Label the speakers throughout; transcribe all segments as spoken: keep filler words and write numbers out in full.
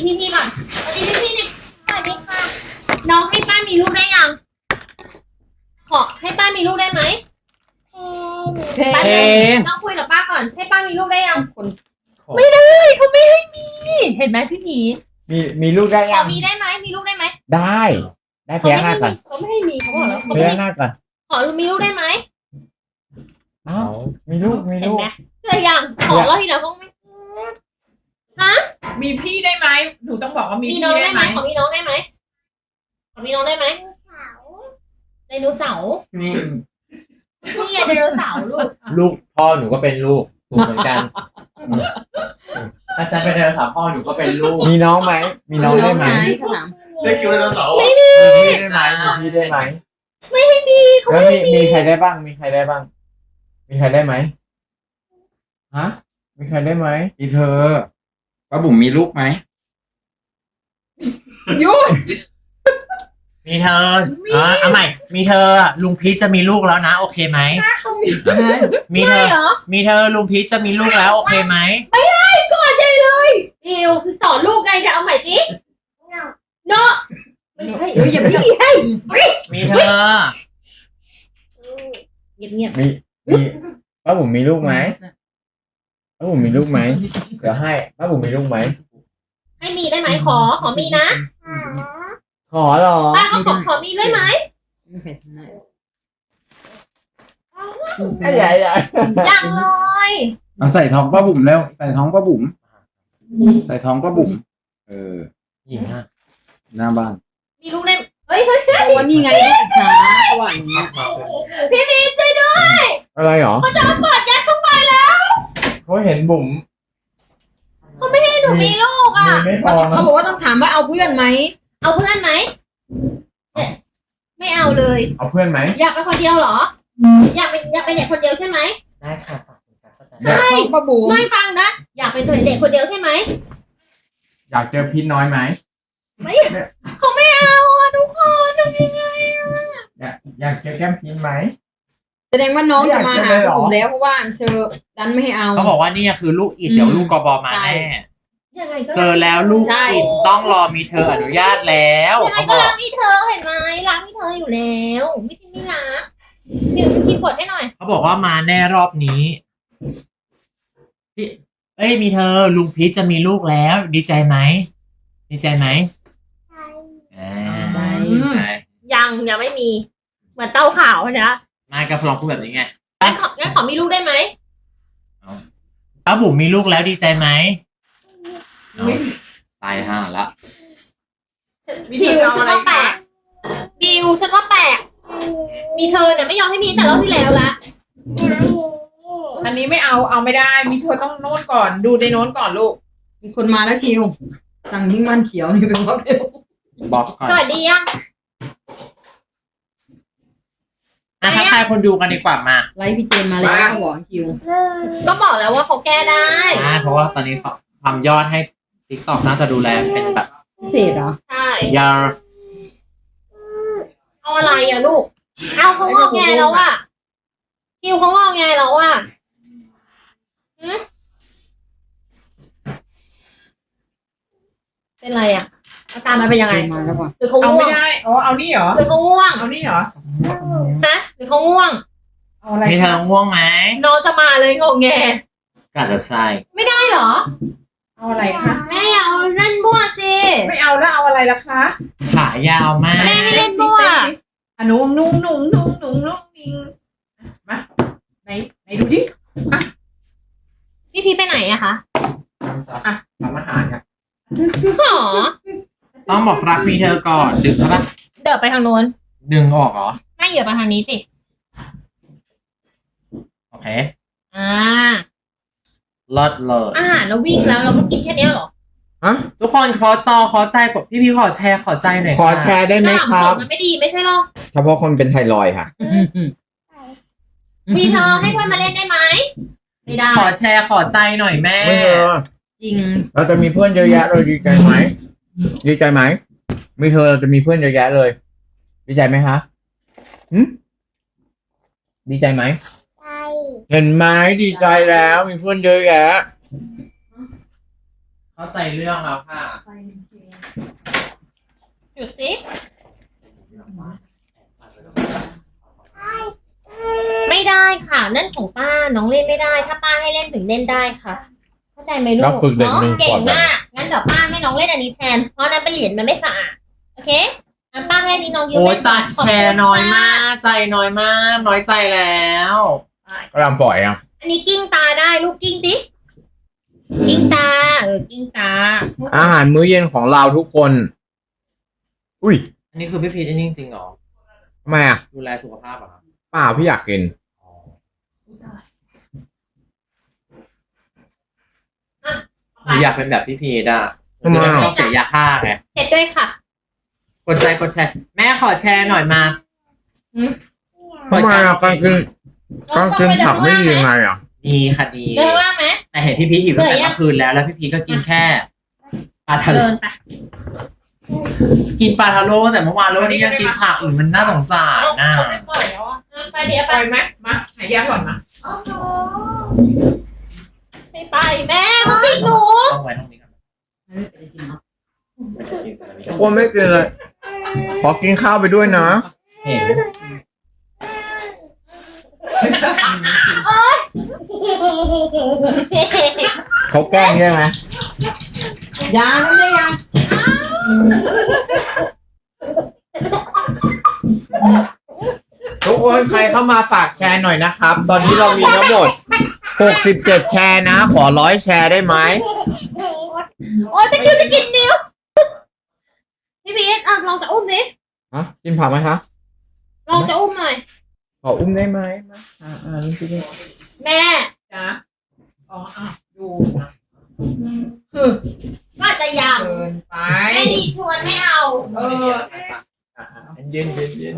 Speaker 1: พี่พี่ก่อนสวัสดีพี่พี่เนี่ยสวัสดีค่ะน้องให้ป้ามีลูกได้ยังขอให้ป้ามีลูกได้ไหมเพลงน้องคุยกับป้าก่อนให้ป้ามีลูกได้ยังคนไม่ได้เขาไม่ให้มีเห็นไหมพี่ผี
Speaker 2: มีมีลูกได้ยัง
Speaker 1: มีได้ไหมมีลูกได้ไหม
Speaker 2: ได้ได้พยักหน้าก่อน
Speaker 1: เขาไม่ให้มีเขาบอกแล้ว
Speaker 2: พยักหน้าก่อน
Speaker 1: ขอมีลูกได้ไหม
Speaker 2: อ้าวมีลูกมีลูก
Speaker 1: เจอยังขอแล้วทีแล้วก็ไม่ฮะ
Speaker 3: มีพี่ได้ไหมหนูต้องบอกว่ามีพี่ได้ไหม
Speaker 1: ขอมีน้องได้ไหมขอมีน้องได้ไหมไดโนเสาร์
Speaker 2: นี่
Speaker 1: นี่ไงไดโนเสาร์ลูก
Speaker 2: ลูกพ่อหนูก็เป็นลูกถูกเหมือนกันถ้าฉันเป็นไดโนเสาร์พ่อหนูก็เป็นลูกมีน้องไหมมีน้องได้ไหม
Speaker 4: ได้คิวไดโนเสาร์
Speaker 1: ไม่มี
Speaker 2: ได้ไหมมีได้ไหม
Speaker 1: ไม่ให้มีเขา
Speaker 2: ไม่มีมีใครได้บ้างมีใครได้บ้างมีใครได้ไหมฮะมีใครได้ไหม
Speaker 4: มีเธอป้าบุ๋มมีลูกไหม
Speaker 3: ยุด
Speaker 5: มีเธอเออเอาใหม่มีเธอลุงพีชจะมีลูกแล้วนะโอเคไหมมีเธอมีเธอลุงพีชจะมีลูกแล้วโอเคไหม
Speaker 1: ไม่ได้ก่อนใจเลยอิวสอนลูกไงจะเอาใหม่ดิเนาะไม่ใช่เอออย่าพี่ให้
Speaker 5: มีเธอ
Speaker 1: เงียบเงียบ
Speaker 2: มีมีป้าบุ๋มมีลูกไหมป้าบุ๋มมีลูกไหมเดี๋ยวให้ป้าบุ๋มมีลูกไหม
Speaker 1: ให้มีได้ไหมขอขอมีนะ
Speaker 2: ขอหรอ
Speaker 1: ป้าก็ขอขอมีได้ไหม
Speaker 2: ใหญ่ใหญ่
Speaker 1: ยังเลย
Speaker 4: เอาใส่ท้องป้าบุ๋มแล้วใส่ท้องป้าบุ๋มใส่ท้องป้าบุ๋มเออ
Speaker 5: หญิงอ่ะ
Speaker 4: หน้าบ้าน
Speaker 1: มีลูกได้เฮ้ยเฮ้ย
Speaker 3: วันนี้ไงช้าหวานเนี้ย
Speaker 1: พี่มีช่วยด้วย
Speaker 2: อะไรหรอ
Speaker 1: เขาจะเอาปอดยัดเข้าไปแล้ว
Speaker 2: เขาเห็นบุ๋ม
Speaker 1: เขาไม่ให้หนูมีลูกอ่ะ
Speaker 3: เขาบอกว่าต้องถามว่าเอาเพื่อนไหม
Speaker 1: เอาเพื่อนไหมไม่เอาเลย
Speaker 2: เอาเพื่อนไหม
Speaker 1: อยากไปคนเดียวเหรออยากเป็นอยากเป็นเด็กคนเดียวใช่ไหม
Speaker 5: ได้ค่ะ
Speaker 1: ใช่ไม่ฟังนะอยากเป็นเด็กคนเดียวใช่ไหม
Speaker 2: อยากเจอพี่น้อยไหม
Speaker 1: ไม่เขาไม่เอาอ่ะทุกคนทำยังไงอ่ะ
Speaker 2: อยากอยากเจอแก้มพีนไหม
Speaker 3: แสดงว่าน้องจะมาหาผมแล้วเพราะว่าเธอดันไม่ให้เอา
Speaker 5: เขาบอกว่านี่คือลูกอิดเดี๋ยวลูกกบมาแน่เจอแล้วลูกอิดต้องรอมีเธออนุญาตแล้ว
Speaker 1: ยังไงก็รักมีเธอเห็นไหมรักมีเธออยู่แล้วไม่ใช่ไม่รักเดี๋ยวคีย์กดให้หน่อย
Speaker 5: เขาบอกว่ามาแน่รอบนี้พี่เอ้ยมีเธอลุงพีชจะมีลูกแล้วดีใจไหมดีใจไหมใช่
Speaker 1: ยังยังไม่มีเหมือนเต้าขาวนะ
Speaker 5: นายกระพลองพูดแบบนี้ไง
Speaker 1: งั้นของั้นขอมีลูกได้ไหม
Speaker 5: ป้าบุ๋มมีลูกแล้วดีใจไหม
Speaker 4: ตายห่าละ
Speaker 1: บิวฉันว่าแปลกบิวฉันว่าแปลกมีเธอเนี่ยไม่ยอมให้มีแต่รอบที่แล้วละ
Speaker 3: อันนี้ไม่เอาเอาไม่ได้มีเธอต้องโน้นก่อนดูในโน้นก่อนลูกมีคนมาแล้วคิวสั่งยิ่งมันเขียวนี่เป็นบล็อกเดียว
Speaker 4: บอกก่อน
Speaker 1: สวัสดียัง
Speaker 5: อ่ะถ้าใครคนดูกันดีกว่ามา
Speaker 3: ไลฟ์พี่เจนมาแล้วบอกคิว
Speaker 1: ก็บอกแล้วว่าเขาแก้ได้
Speaker 5: ใช่เพราะว่าตอนนี้เขาทำยอดให้ติ๊กต็อกน่าจะดูแลเป็นแบบ
Speaker 3: พิเศษเหรอ
Speaker 1: ใช่
Speaker 5: ยา
Speaker 1: เอาอะไรอ่ะลูกเอาเขางอแงแล้วอ่ะคิวเขางอแงแล้วอ่ะเป็นไรอ่ะอาการมันเป็นยังไงหรือเขาง่วง
Speaker 3: เอาไม่ได้อ๋อเอานี่เหรอ
Speaker 1: หรือเขาง่วง
Speaker 3: เอานี่เหรอ
Speaker 1: ฮะหรือเขาง่วง
Speaker 3: เอาอะไร
Speaker 5: มีเธอง่วงไหม
Speaker 1: น้องจะมาเลยงอแง
Speaker 5: ก็อาจจะใช่
Speaker 1: ไม่ได้เหรอ
Speaker 3: เอาอะไรคะ
Speaker 1: แม่เอาเล่นบัวสิ
Speaker 3: ไม่เอาแล้วเอาอะไรล่ะคะ
Speaker 5: ขายาวมาก
Speaker 1: แม่ไม่เล่นบัว
Speaker 3: อ่ะหนุ่งนุ่งนุ่งนุ่งนุ่งนุ่งนิงมาไหนไหนดูดิอ่ะ
Speaker 1: พี่พีไปไหนอะคะ
Speaker 2: อ่ะทำอาหารครับ
Speaker 1: หรอ
Speaker 5: ต้องบอกรักมีเธอก่อนดึงครับ
Speaker 1: เดินไปทางโน้น
Speaker 5: ดึงออกเหรอ
Speaker 1: ไม่เหยียบไปทางนี้สิ
Speaker 5: โอเค
Speaker 1: อ่า
Speaker 5: เลิศเลย
Speaker 1: อาหารเราวิ่งแล้วเราก็กินแค่นี้หรอ
Speaker 5: ฮะทุกคนขอจอขอใจกดพี่พี่ขอแชร์ขอใจหน่อย
Speaker 2: ขอแชร์ได้ไหมครับ
Speaker 1: มันไม่ดีไม่ใช่หรอ
Speaker 2: เฉพาะคนเป็นไทรอยด์ค่ะ
Speaker 1: มีเธอให้เพื่อนมาเล่นได้ไหมไม่ได้
Speaker 5: ขอแชร์ขอใจหน่อยแม่
Speaker 2: ไม่เธอ
Speaker 3: จริง
Speaker 2: เราจะมีเพื่อนเยอะแยะเลยดีใจไหมดีใจไหมมีเธอเราจะมีเพื่อนเยอะแยะเลยดีใจไหมคะหืมดีใจไหมเห็นไหมดีใจแล้วมีเพื่อนเยอะแยะ
Speaker 5: เข้าใจเรื่องแล้วค่ะ
Speaker 1: หยุดสิไม่ได้ค่ะ นั่นของป้าน้องเล่นไม่ได้ ถ้าป้าให้เล่นถึงเล่นได้ค่ะ เข้าใจไหมลูก
Speaker 2: ก็ฝึกเด็ก
Speaker 1: เนาะ
Speaker 2: หนึ่ง
Speaker 1: เก่
Speaker 2: ขว
Speaker 1: ง
Speaker 2: บแบบ
Speaker 1: มากงั้นเดี๋ยวป้าให้น้องเล่นอันนี้แทนเพราะนั้นเป็นเหรียญมันไม่สะอาดโอเคงั้นป้าให้นี้น้องยืม
Speaker 5: โอ้
Speaker 1: เล่
Speaker 5: ย
Speaker 1: น
Speaker 5: ใจแชร์น้อยมาก ใจน้อยมาก น้อยใจแล้ว
Speaker 2: ก็ลำฝอยอ่ะ
Speaker 1: อันนี้กิ้งตาได้ลูกกิ้งดิกิ้งตาเออกิ้งตา
Speaker 2: อาหารมื้อเย็นของเราทุกคน อุ้ย
Speaker 5: อันนี้คือพี่พีชอันนี้จริงๆเหรอ
Speaker 2: ทำไมอ่ะ
Speaker 5: ดูแลสุขภาพเหรอครับ
Speaker 2: เปล่าพี่อยากกิน
Speaker 5: หนูอยากเป็นแบบพี่พีชอ่ะ
Speaker 2: ทำไม
Speaker 5: จะได้ไม่ต้องเสียยาฆ่าไง
Speaker 1: เช็ดด้วยค่ะ
Speaker 5: กดใจกดแชร์แม่ขอแชร์หน่อยมา
Speaker 2: ทำไมอ่ะการกินการกินผักไม่ดียังไงอ่ะ
Speaker 5: ดีค่ะดี
Speaker 1: เดินข้างล่างไหม
Speaker 5: แต่เห็นพี่พีชหิวตั้งแต่
Speaker 1: เบื่อยัง
Speaker 5: เมื่อคืนแล้วแล้วพี่พีชก็กินแค่ปลาทะโล
Speaker 1: เดินไป
Speaker 5: กินปลาทะโลตั้งแต่เมื่อวานแล้ววันนี้ยังกินผักอื่นมันน่าสงสารน่า
Speaker 1: ไม่ปล่อยแล้วอ่ะไปเดี๋ยว
Speaker 3: ป
Speaker 1: ไป
Speaker 3: ล่อยไหมมาหายาก่อนมา
Speaker 1: ไม่ไปแม่เขาจิกหนู
Speaker 5: ต้องไว้ตรงนี้ก่อนไม่ได้กินแต่ไม่
Speaker 2: ทุกคนไม่กินเลย ขอกินข้าวไปด้วยนะ
Speaker 5: เห็น
Speaker 2: เขาแกล้งใช่ไหม
Speaker 3: ยาไม่ได้ยา
Speaker 2: ทุกคนใครเข้ามาฝากแชร์หน่อยนะครับ ตอนนี้เรามีทั้งหมดหกสิบเจ็ดแชร์นะ ขอร้อยแชร์ได้ไหม
Speaker 1: โอ๊ยตะคริวจะกินนิ้วพี่พีทอ่ะลองจะอุ้มดิ
Speaker 2: ฮะ กินผักไหมคะ
Speaker 1: ลองจะอุ้มหน่อย
Speaker 2: ขออุ้มได้ไหมมาอ่าอ่านี่สิ
Speaker 1: แม่
Speaker 3: จ้าอ๋ออ่ะดู
Speaker 1: ก็อาจจะยัง
Speaker 3: เกินไป
Speaker 1: ไม่ดีชวนไม่เอา
Speaker 3: เออ
Speaker 2: เย็นเย็นเย็น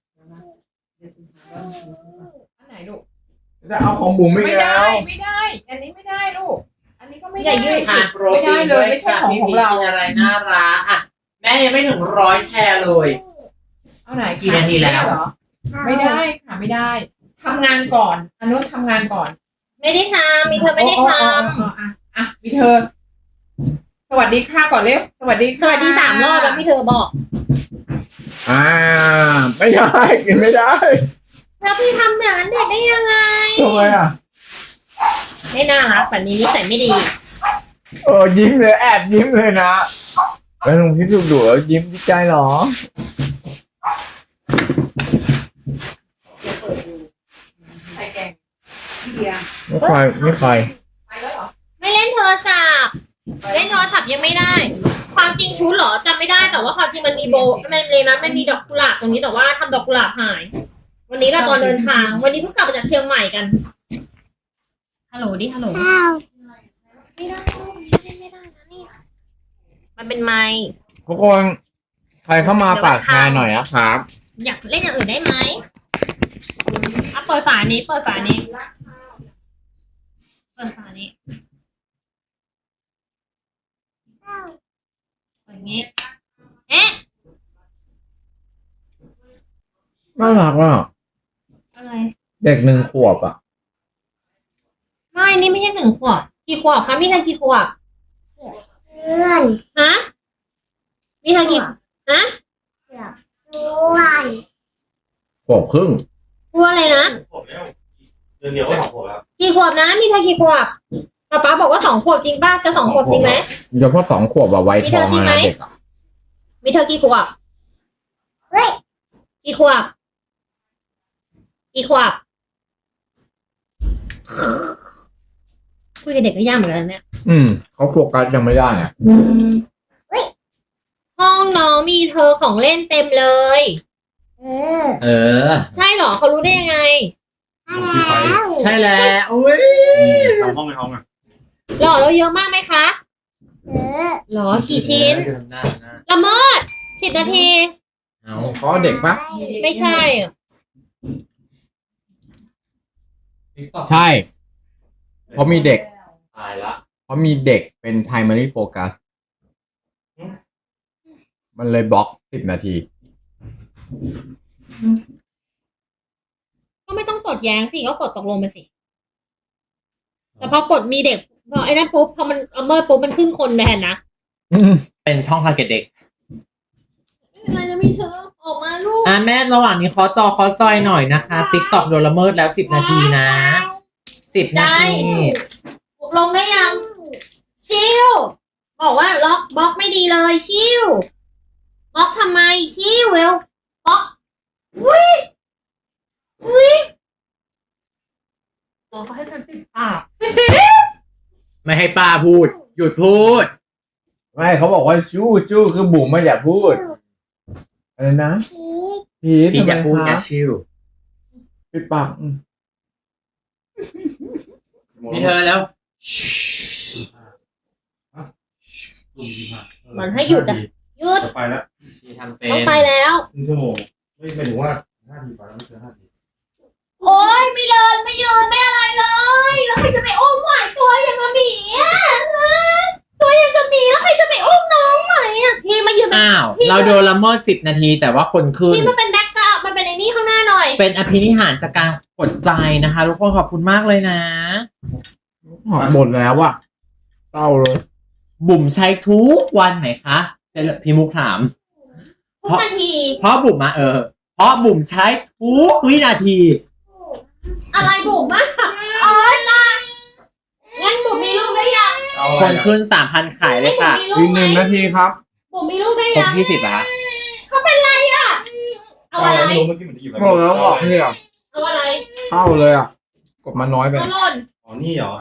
Speaker 3: อันไหนลูก
Speaker 2: จะเอาของบุ๋มไม่
Speaker 3: ไม่
Speaker 2: แล้
Speaker 3: ได้
Speaker 2: ว
Speaker 3: ไม่ได้ อันนี้ไม่ได้ลูก อันนี้ก็ไม่
Speaker 1: อ
Speaker 3: ได้
Speaker 1: ย่ายืด
Speaker 5: ค่ะโปรตีน
Speaker 3: ไม่ได้เลยไม่ใช่ของ
Speaker 5: พี่
Speaker 3: ของ
Speaker 5: พีช
Speaker 3: เรา
Speaker 5: กินอะไรน่ารักอ่ะแม่ยังไม่ถึงร้อยแชร์เลย
Speaker 3: เอาไหน
Speaker 5: กี่นาทีแล้ว
Speaker 3: เหรอไม่ได้ค่ะไม่ได้ทำงานก่อนอันนู้นทำงานก่อน
Speaker 1: ไม่ได้ทำมีเธอไม่ได้ท
Speaker 3: อ๋ออ๋ออ๋ออ่ะอ่ะมีเธอ สวัสดีค่ะก่อนเร็วสวัสดี
Speaker 1: ำส
Speaker 3: ค่ะ
Speaker 1: วัสดีสามรอบแล้วพี่เธอบอก
Speaker 2: อ่า ไม่ได้ กินไม่ได้
Speaker 1: แล้วพี่ทำแบบนั้นเด็กได้ยังไง
Speaker 2: ทำไมอ่ะ
Speaker 1: ไม่น่ารักแบบนี้นิสัยไม่ดี
Speaker 2: เออยิ้มเลยแอบยิ้มเลยนะแล้วลุงพี่ดุดุแล้วยิ้มดีใจเหรอ
Speaker 3: ใส่แกงพี่เดีย
Speaker 2: ไม่ใครไม่ใคร
Speaker 3: ไปแล้วเหรอ
Speaker 1: ไม่เล่นโทรศัพท์เล่นโทรศัพท์ยังไม่ได้ ความจริงชุดเหรอจำไม่ได้แต่ว่าความจริงมันมีโบมันเลยนะมันมีดอกกุหลาบตรงนี้แต่ว่าทำดอกกุหลาบหาย วันนี้เราตอนเดินทาง วันนี้เพิ่งกลับมาจากเชียงใหม่กันฮัลโหลดิฮัลโหลไม่ได้ไม่ได้นะนี่มันเป็นไม้
Speaker 2: ทุกคนใครเข้ามาฝากแชร์หน่อยนะครับ
Speaker 1: อยากเล่นอย่างอื่นได้ไหมอ่ะเปิดฝานี้ เปิดฝานี้ เปิดฝานี้เปิดอย่างนี้ เอ๊ะ
Speaker 2: น่ารักอ่ะ
Speaker 1: อะไร
Speaker 2: เด็กหนึ่งขวบอ่ะ
Speaker 1: ไม่ นี่ไม่ใช่หนึ่งขวบ กี่ขวบคะ มีเธอกี่ขวบฮะ มีเธอกี่ฮะ
Speaker 2: ขวบครึ่ง
Speaker 1: กลัวอะไรนะ
Speaker 6: ผมแล้วเดือนเดียวก็สองผมแล้ว
Speaker 1: กี่ขวบนะ มีเธอกี่ขวบป๊าป๊าบอกว่าสองขวบจริงป่ะ จะสองขวบจริงไหม
Speaker 2: เฉพาะสองขวบอะไว้ทองอะนะเด็กอะ
Speaker 1: มีเธอกี่ขวบกี่ขวบกี่ขวบคุยกับเด็กก็ยากเหมือนกันนะเนี่ย
Speaker 2: อืมเขาโฟกัสยังไม่ได้อ่ะ
Speaker 1: ห้องน้องมีเธอของเล่นเต็มเลย
Speaker 5: เออ
Speaker 1: ใช่เหรอเขารู้ได้ยังไง
Speaker 6: พี่ไฟ
Speaker 5: ใช่แล้วอุ้ย
Speaker 6: ทำห้องในห้องอ่ะ
Speaker 1: หล่อเราเยอะมากไหมคะหรอกี่ชิ้น
Speaker 5: หน้าหน้า
Speaker 1: ละเมิดสิบนาที
Speaker 5: เอา
Speaker 2: เขาเด็กปะ
Speaker 1: ไม่ใช่อะ
Speaker 2: ใช่ เพราะมีเด็ก
Speaker 5: ตายละ
Speaker 2: เพราะมีเด็กเป็น primary focus มันเลยบล็อกสิบนาที
Speaker 1: ก็ไม่ต้องกดแย้งสิก็กดตกลงไปสิ แต่พอกดมีเด็กพอไอ้นั่นปุ๊บพอมันเอาเมอร์ปุ๊บมันขึ้นคนแทนนะ
Speaker 2: อืม
Speaker 5: เป็นช่องทาร์เก็ตเด็ก
Speaker 1: อะไรนะมีเธอออกมาลูก
Speaker 5: อ่ะแม่ระหว่างนี้ขอจอขอจอยหน่อยนะคะติ๊กต็อกโดนละเมิดแล้วสิบนาทีนะสิบนาที
Speaker 1: ลงได้ยังชิวบอกว่าล็อกบล็อกไม่ดีเลยชิวบล็อกทำไมชิวเร็วบล็อกอุ้ยอุ้ยอ๋อเขาให้ฉันปิดปาก
Speaker 5: ไม่ให้ป้าพูด หยุดพูด
Speaker 2: ไม่เขาบอกว่าจู้จู้คือบุ๋มไม่อยากพูดอะไรนะพีท
Speaker 5: พี่
Speaker 2: ทำไม
Speaker 5: จะพูดอย่า
Speaker 2: คะ
Speaker 5: ชิว
Speaker 2: ปิดปากอืม
Speaker 5: มีเธอแล้ว
Speaker 1: มันให้หยุดอ่ะหยุด
Speaker 6: จะไปแล้ว
Speaker 5: พี่ทำเป็น
Speaker 1: ต้องไปแล้ว
Speaker 6: ครึ่งชั่วโมงไม่ไม่ถึงว่าห้าทีไปแล้วไม่เกินห้าที
Speaker 1: โอ๊ยไม่เดินไม่ยืนไม่อะไรเลยแล้วใครจะไปอุ้มไหวตัวอย่างกับหมีอ่ะฮะตัวอย่างกับหมีแล้วใครจะไปอุ้มน้องไหวอ่ะพี่มายืนเป็น
Speaker 5: อ้าว เราโดนละเมิดสิบนาทีแต่ว่าคนขึ้น
Speaker 1: พี่มาเป็นแบ็คกราวด์มันเป็นไอ้นี่ข้างหน้าหน่อย
Speaker 5: เป็นอภินิหารจากการกดใจนะคะ ทุกคนขอบคุณมากเลยนะ
Speaker 2: หมดแล้วอะเศร้าเลย
Speaker 5: บุ๋มใช้ทุกวันไหนคะเดี๋ยวพี่มุกถาม
Speaker 1: ทุกนาที
Speaker 5: เพราะบุ๋มมาเออ เพราะบุ๋มใช้ทุกวินาที
Speaker 1: อะไรบุ๋มอะอ๋อตางั้นบุ๋มมีลูกได้ยัง
Speaker 6: เอา
Speaker 5: คนขึ้นสามพันขายเลยค่ะ
Speaker 1: บุ๋มมีลู
Speaker 2: อี
Speaker 1: ก
Speaker 2: ก
Speaker 1: ไห
Speaker 2: ห
Speaker 1: ม
Speaker 2: นึ่งนาทีครับ
Speaker 1: บุ๋มมีลูกได้
Speaker 5: ครบ
Speaker 1: ยัง
Speaker 5: ยี่สิบเหรอคะ
Speaker 1: เขาเป็นไรอะเอาอะไร
Speaker 6: ไม่รู้เมื่อกี้มันจะหยิบอะไร
Speaker 2: บอกแล้วบอกพี่อะ
Speaker 1: เอาอะไร
Speaker 2: เข้าเลยอะกดมาน้อยไป
Speaker 1: เอาหล่น
Speaker 6: อ๋อนี่เหรอ